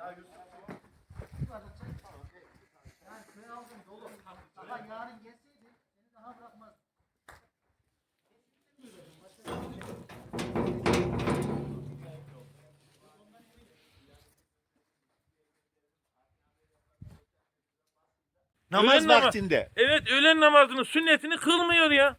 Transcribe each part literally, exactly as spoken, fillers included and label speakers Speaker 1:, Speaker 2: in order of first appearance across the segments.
Speaker 1: Ama yarın gelseydi seni daha bırakmaz.
Speaker 2: Namaz
Speaker 3: Öğlen nama-
Speaker 2: vaktinde.
Speaker 3: Evet, öğlen namazının sünnetini kılmıyor ya.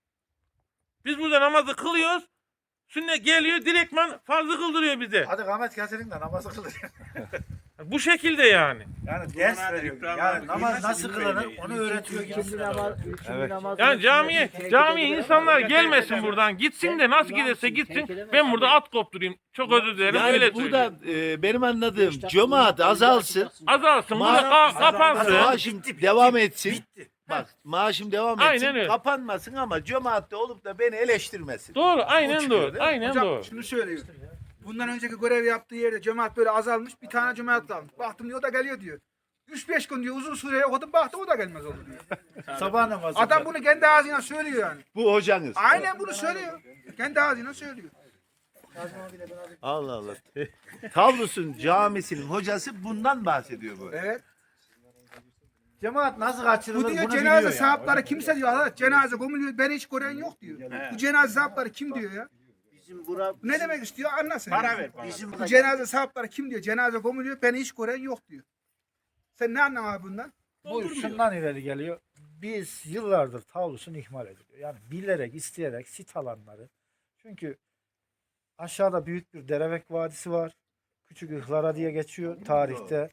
Speaker 3: Biz burada namazı kılıyoruz. Sünnet geliyor direktman farzı kıldırıyor bize.
Speaker 4: Hadi Ahmet getirin de namazı kılın.
Speaker 3: Bu şekilde yani.
Speaker 4: Yani ders veriyor. Yani namaz nasıl kılınır onu öğretiyor gibi.
Speaker 1: İkinci namaz, üçüncü namaz.
Speaker 3: Yani camiye, camiye insanlar gelmesin buradan. Gitsin de nasıl giderse gitsin. Ben burada at kopturayım. Çok özür dilerim.
Speaker 2: Yani
Speaker 3: Öyle
Speaker 2: burada
Speaker 3: söyleyeyim.
Speaker 2: e, benim anladığım cemaat azalsın.
Speaker 3: Azalsın. Burada
Speaker 2: Ma-
Speaker 3: ka- kapansın.
Speaker 2: Maaşım devam etsin. Bak maaşım devam etsin.
Speaker 3: Aynen öyle.
Speaker 2: Kapanmasın ama cemaatte olup da beni eleştirmesin.
Speaker 3: Doğru.
Speaker 2: O
Speaker 3: Aynen
Speaker 2: çıkıyor,
Speaker 3: doğru.
Speaker 2: değil mi?
Speaker 3: Aynen
Speaker 5: Hocam
Speaker 3: doğru.
Speaker 5: şunu söylüyor. Bundan önceki görev yaptığı yerde cemaat böyle azalmış. Bir tane cemaat kalmış. Baktım diyor o da geliyor diyor. üç beş gün diyor uzun süre okudum baktım o da gelmez oldu diyor.
Speaker 4: Sabah namazı.
Speaker 5: Adam bunu kendi ağzıyla söylüyor yani.
Speaker 2: Bu hocanız.
Speaker 5: Aynen bunu söylüyor. Kendi ağzıyla söylüyor.
Speaker 2: Allah Allah. Tavlusun camisinin hocası bundan bahsediyor bu.
Speaker 5: Evet.
Speaker 4: Cemaat nasıl kaçırılır
Speaker 5: Bu diyor
Speaker 4: bunu
Speaker 5: cenaze
Speaker 4: biliyor
Speaker 5: sahipleri
Speaker 4: yani.
Speaker 5: kimse diyor. Allah cenaze gömülüyor beni hiç gören yok diyor. Bu cenaze sahipleri kim diyor ya?
Speaker 1: Bizim bura,
Speaker 5: Bu ne demek istiyor anlasın.
Speaker 6: Para ver bana.
Speaker 1: bizim
Speaker 5: Bu cenaze sahipleri kim diyor? Cenaze gömülüyor beni hiç gören yok diyor. Sen ne anlamadın abi bundan?
Speaker 4: Bu şundan ileri geliyor. Biz yıllardır tavlusunu ihmal ediliyor. Yani bilerek, isteyerek sit alanları. Çünkü aşağıda büyük bir Derevek Vadisi var. Küçük Ihlara diye geçiyor tarihte.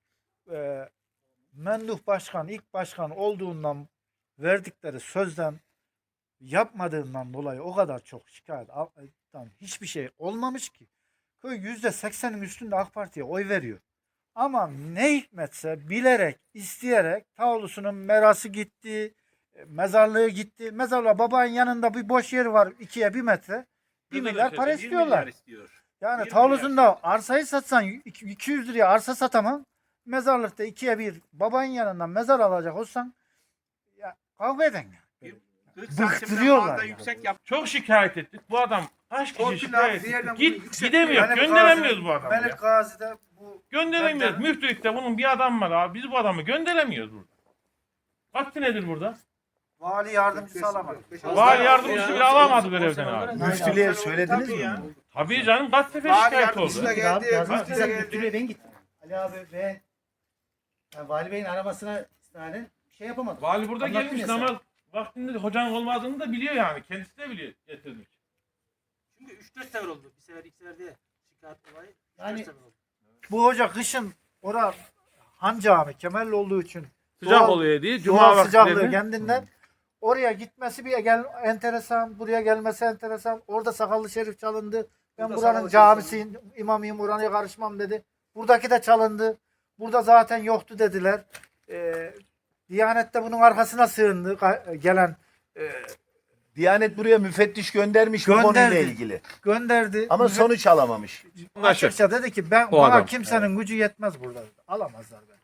Speaker 4: Ee, Menduh Başkan, ilk başkan olduğundan verdikleri sözden yapmadığından dolayı o kadar çok şikayet alttan hiçbir şey olmamış ki. Köy yüzde seksenin üstünde AK Parti'ye oy veriyor. Ama ne hikmetse bilerek, isteyerek tavlusunun merası gitti, e, mezarlığı gitti. Mezarlığa babanın yanında bir boş yer var ikiye bir metre. Bir milyar para
Speaker 6: yirmi
Speaker 4: istiyorlar.
Speaker 6: milyar istiyor.
Speaker 4: Yani
Speaker 6: yirmi
Speaker 4: tavlusunda arsayı satsan iki- 200 liraya arsa satamam. Mezarlıkta ikiye bir babanın yanından mezar alacak olsan ya kavga eden ya.
Speaker 6: kırk santimden
Speaker 4: Bıktırıyorlar
Speaker 6: fazla
Speaker 4: yani.
Speaker 6: yüksek yap.
Speaker 3: Çok şikayet ettik. Bu adam kaç kişi
Speaker 5: Torpil
Speaker 3: şikayet
Speaker 5: abi, diğerden
Speaker 3: etti.
Speaker 5: bunu
Speaker 3: Git
Speaker 5: yüksek-
Speaker 3: gidemiyor.
Speaker 4: Melik
Speaker 3: Gönderemiyoruz
Speaker 4: Gazi'de-
Speaker 3: bu adamı ya.
Speaker 4: Melik Gazi'de bu
Speaker 3: Gönderemiyoruz.
Speaker 4: Ben de-
Speaker 3: Müftülükte bunun bir adam var abi. Biz bu adamı gönderemiyoruz burada. Kaç senedir burada?
Speaker 4: vali yardımcısı alamadı.
Speaker 3: Vali yardımcısı bile alamadı görevden abi.
Speaker 2: Müftülüğe söylediniz mi?
Speaker 6: ya.
Speaker 2: bunu?
Speaker 3: Tabii canım kaç sefer
Speaker 5: Vali
Speaker 3: şikayet oldu.
Speaker 5: yardımcısı da
Speaker 1: Abi
Speaker 5: geldi.
Speaker 1: yazmış
Speaker 5: müftü de
Speaker 1: bize
Speaker 5: geldi.
Speaker 1: müftülüğe ben gittim. Ali abi ve yani Vali Bey'in aramasına istinaden bir şey yapamadım.
Speaker 3: Vali burada
Speaker 1: Anlattım
Speaker 3: gelmiş
Speaker 1: ya sana.
Speaker 3: namaz vaktinde hocanın olmadığını da biliyor yani. Kendisi de biliyor getirmiş.
Speaker 7: Çünkü üç dört sefer oldu. Bir sefer iki sefer diye şikayet olayı.
Speaker 1: Yani-
Speaker 7: üç dört sefer oldu.
Speaker 4: Bu hoca kışın ora Han Cami Kemerli olduğu için
Speaker 3: Sıcak
Speaker 4: Doğal-
Speaker 3: oluyor diye. Cuma
Speaker 4: Cuma sıcaklığı
Speaker 3: vakitleri.
Speaker 4: kendinden oraya gitmesi bir gel enteresan, buraya gelmesi enteresan. Orada Sakallı Şerif çalındı. Ben
Speaker 5: Burada
Speaker 4: buranın
Speaker 5: Sakallı
Speaker 4: camisiyim, imamıyım, oraya karışmam dedi. Buradaki de çalındı. Burada zaten yoktu dediler. Ee, Diyanet de bunun arkasına sığındı ka- gelen e,
Speaker 2: Diyanet buraya müfettiş göndermiş bu konuyla
Speaker 4: Gönderdi.
Speaker 2: ilgili.
Speaker 4: gönderdi.
Speaker 2: Ama sonuç alamamış.
Speaker 4: Açıkça dedi ki ben
Speaker 3: O
Speaker 4: bana
Speaker 3: adam.
Speaker 4: kimsenin gücü yetmez burada. dedi. Alamazlar beni.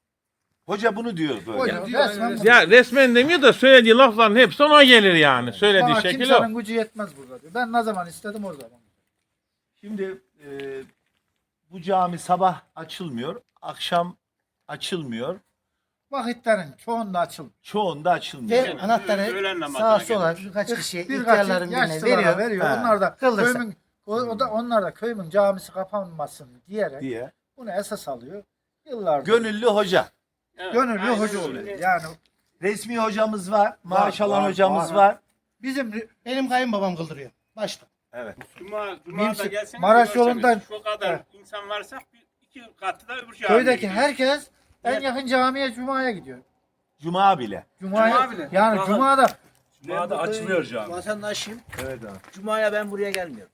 Speaker 2: Hoca bunu diyor böyle.
Speaker 4: Hoca
Speaker 5: diyor,
Speaker 4: resmen
Speaker 5: öyle.
Speaker 4: bu.
Speaker 3: Ya resmen demiyor da söylediği lafların hepsi ona gelir yani. Söylediği
Speaker 4: Bana
Speaker 3: şekil o.
Speaker 4: kimsenin gücü yetmez burada diyor. Ben ne zaman istedim o zaman.
Speaker 2: Şimdi e, bu cami sabah açılmıyor, akşam açılmıyor,
Speaker 4: Vakitlerin çoğunda açıldı.
Speaker 2: çoğunda açılmıyor.
Speaker 1: Ve anahtarı
Speaker 6: Öğlen namazına
Speaker 1: sağa sola birkaç kişiye
Speaker 4: Birkaç
Speaker 1: ihtiyarların birine
Speaker 4: yaşlılara
Speaker 1: veriyor.
Speaker 4: veriyor.
Speaker 2: Ha.
Speaker 4: Onlar da
Speaker 1: Kıldırsa.
Speaker 4: köyümün o, o da onlar da köyümün camisi kapanmasın diyerek
Speaker 2: diye.
Speaker 4: bunu esas alıyor. Yıllardır
Speaker 2: Gönüllü hoca.
Speaker 4: gönüllü
Speaker 6: Aynen
Speaker 4: hoca
Speaker 6: öyle.
Speaker 4: oluyor. Yani
Speaker 2: Resmi hocamız var, maaş
Speaker 4: Var,
Speaker 2: alan
Speaker 4: var,
Speaker 2: hocamız
Speaker 4: var.
Speaker 2: var.
Speaker 4: bizim
Speaker 1: Benim kayınbabam kıldırıyor. Başta.
Speaker 2: Evet.
Speaker 6: Cuma, Cuma da
Speaker 4: Mimsi-
Speaker 6: gelseniz
Speaker 4: Maraş
Speaker 6: görseniz
Speaker 4: yolundan-
Speaker 6: şu kadar
Speaker 4: Evet.
Speaker 6: insan varsa bir, iki katı da öbür camiye
Speaker 4: köydeki
Speaker 6: gidiyor.
Speaker 4: herkes en yakın camiye cumaya gidiyor.
Speaker 2: Cuma bile.
Speaker 4: Cumaya,
Speaker 5: Cuma bile.
Speaker 4: yani
Speaker 7: Cuma-
Speaker 4: cumada
Speaker 7: Cuma'da açılıyor cami. Vatandaşıyım.
Speaker 2: Evet abi.
Speaker 7: Cuma'ya ben buraya gelmiyorum.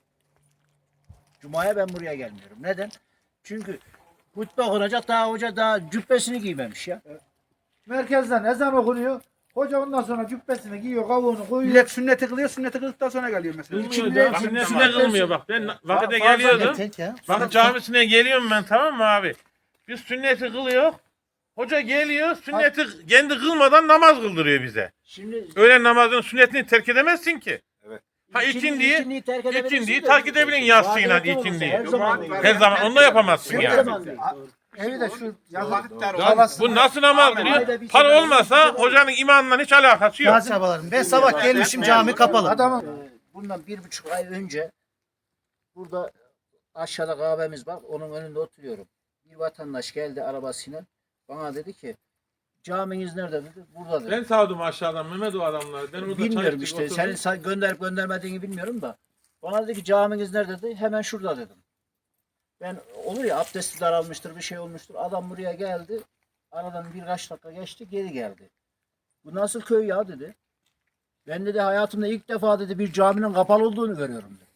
Speaker 7: Cuma'ya ben buraya gelmiyorum. Neden? Çünkü hutbe okunacak daha hoca daha cübbesini giymemiş ya.
Speaker 4: merkezden ezan okunuyor. Hoca ondan sonra cübbesini giyiyor, kavuğunu koyuyor.
Speaker 5: Millet sünneti kılıyor, sünneti kıldıktan sonra geliyor mesela.
Speaker 3: Kılmıyor da, Sünnesine kılmıyor bak. Ben vakite
Speaker 4: Fazla
Speaker 3: geliyordum.
Speaker 1: Tek ya.
Speaker 3: Vakit camisine geliyorum ben, tamam mı abi? Biz sünneti kılıyor. Hoca geliyor sünneti kendi kılmadan namaz kıldırıyor bize.
Speaker 7: Şimdi
Speaker 3: Öğlen namazının sünnetini terk edemezsin ki. Ha
Speaker 7: İkindi-
Speaker 3: ikindiyi,
Speaker 7: ikindiyi terk edebilirsin
Speaker 3: ikindiyi
Speaker 7: de-
Speaker 3: terk edebilirsin yatsıyla
Speaker 7: Vadeli olursa
Speaker 3: ikindiyi.
Speaker 7: Her zaman değil.
Speaker 3: Her zaman onu da yapamazsın
Speaker 7: Her
Speaker 3: yani.
Speaker 7: zaman değil.
Speaker 4: Evi de şu
Speaker 6: Vakitler
Speaker 3: Ya
Speaker 6: olmaz.
Speaker 3: bu nasıl namaz kılıyor?
Speaker 7: Ayda bir
Speaker 3: Para
Speaker 7: sefer-
Speaker 3: olmasa hocanın imanla hiç alakası yok.
Speaker 1: Gazi abalarım. Ben sabah gelmişim cami kapalı.
Speaker 4: adamın
Speaker 7: Ee, bundan bir buçuk ay önce burada aşağıda kahvemiz var. Onun önünde oturuyorum. Bir vatandaş geldi arabasıyla. Bana dedi ki caminiz nerede dedi. Burada dedi.
Speaker 3: Ben sağdım aşağıdan Mehmet o adamları. Ben orada
Speaker 7: Bilmiyorum işte. Senin sa- gönderip göndermediğini bilmiyorum da. Bana dedi ki caminiz nerede dedi. Hemen şurada dedim. Ben olur ya abdesti daralmıştır bir şey olmuştur. Adam buraya geldi. Aradan birkaç dakika geçti geri geldi. Bu nasıl köy ya dedi. Ben dedi hayatımda ilk defa dedi bir caminin kapalı olduğunu görüyorum dedi.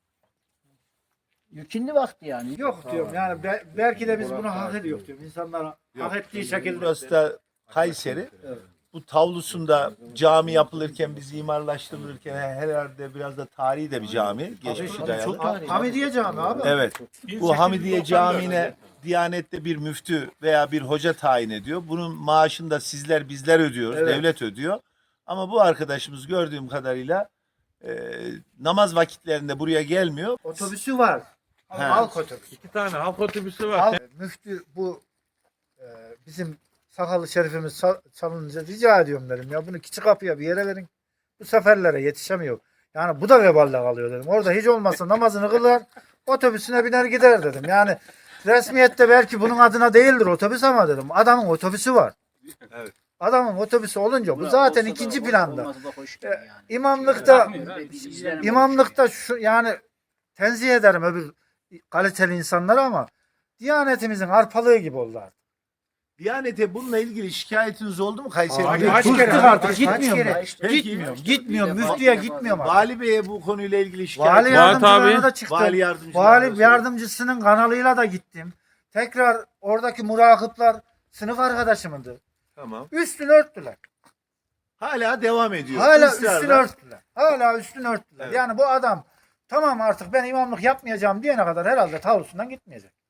Speaker 7: Yükünlü vakti yani.
Speaker 4: yok diyorum yani be- belki de biz bunu hak ediyoruz diyorum. İnsanlara hak ettiği şekilde.
Speaker 2: Burası da Kayseri. Bu tavlusunda cami yapılırken, biz imarlaştırılırken herhalde biraz da tarihi de bir cami. Geçmişi
Speaker 7: Tabii,
Speaker 2: dayalı.
Speaker 7: çok tarihi.
Speaker 4: Hamidiye Cami abi.
Speaker 2: Evet. Bu Hamidiye Camii'ne Diyanet'te bir müftü veya bir hoca tayin ediyor. Bunun maaşını da sizler bizler ödüyoruz.
Speaker 4: Evet.
Speaker 2: Devlet ödüyor. Ama bu arkadaşımız gördüğüm kadarıyla e, namaz vakitlerinde buraya gelmiyor.
Speaker 4: Otobüsü var.
Speaker 2: He.
Speaker 4: Halk otobüsü.
Speaker 3: İki tane halk otobüsü var.
Speaker 4: Halk, müftü bu e, bizim sakallı şerifimiz sal- salınınca rica ediyorum dedim. Ya bunu küçük kapıya bir yere verin. Bu seferlere yetişemiyor. Yani bu da veballe kalıyor dedim. Orada hiç olmazsa namazını kılar, otobüsüne biner gider dedim. Yani resmiyette belki bunun adına değildir otobüs ama dedim. Adamın otobüsü var.
Speaker 2: Evet.
Speaker 4: Adamın otobüsü olunca bu zaten
Speaker 7: Olsa da
Speaker 4: ikinci
Speaker 7: ol-
Speaker 4: planda.
Speaker 7: olmasa da hoş
Speaker 4: E,
Speaker 7: değil yani.
Speaker 4: İmamlıkta
Speaker 7: Biz izleyelim.
Speaker 4: İmamlıkta şu yani tenzih ederim öbür kaliteli insanları ama Diyanetimizin arpalığı gibi oldu artık.
Speaker 2: Diyanet'e bununla ilgili şikayetiniz oldu mu Kayseri'de?
Speaker 4: Abi,
Speaker 5: kaç
Speaker 4: bıktık
Speaker 5: kere,
Speaker 4: artık
Speaker 5: kaç
Speaker 4: gitmiyorum.
Speaker 1: kere?
Speaker 4: ben.
Speaker 7: İşte-
Speaker 4: Gitmiyorum.
Speaker 7: İşte
Speaker 4: Gitmiyorum.
Speaker 7: bir defa-
Speaker 4: Müftüye
Speaker 7: bir defa-
Speaker 4: gitmiyorum artık.
Speaker 2: Vali Bey'e bu konuyla ilgili şikayet
Speaker 4: Vali
Speaker 2: var.
Speaker 4: yardımcılarına
Speaker 3: abi.
Speaker 4: da çıktım.
Speaker 2: Vali
Speaker 4: Vali,
Speaker 2: yardımcılarına da
Speaker 4: yardımcısının kanalıyla da gittim. Tekrar oradaki murakıplar sınıf arkadaşımındı.
Speaker 2: Tamam.
Speaker 4: Üstünü örttüler.
Speaker 2: Hala devam ediyor.
Speaker 4: Hala
Speaker 2: Israrla.
Speaker 4: üstünü örttüler. Hala üstünü örttüler.
Speaker 2: Evet.
Speaker 4: Yani bu adam tamam artık ben imamlık yapmayacağım diyene kadar herhalde tavlusundan gitmeyecek.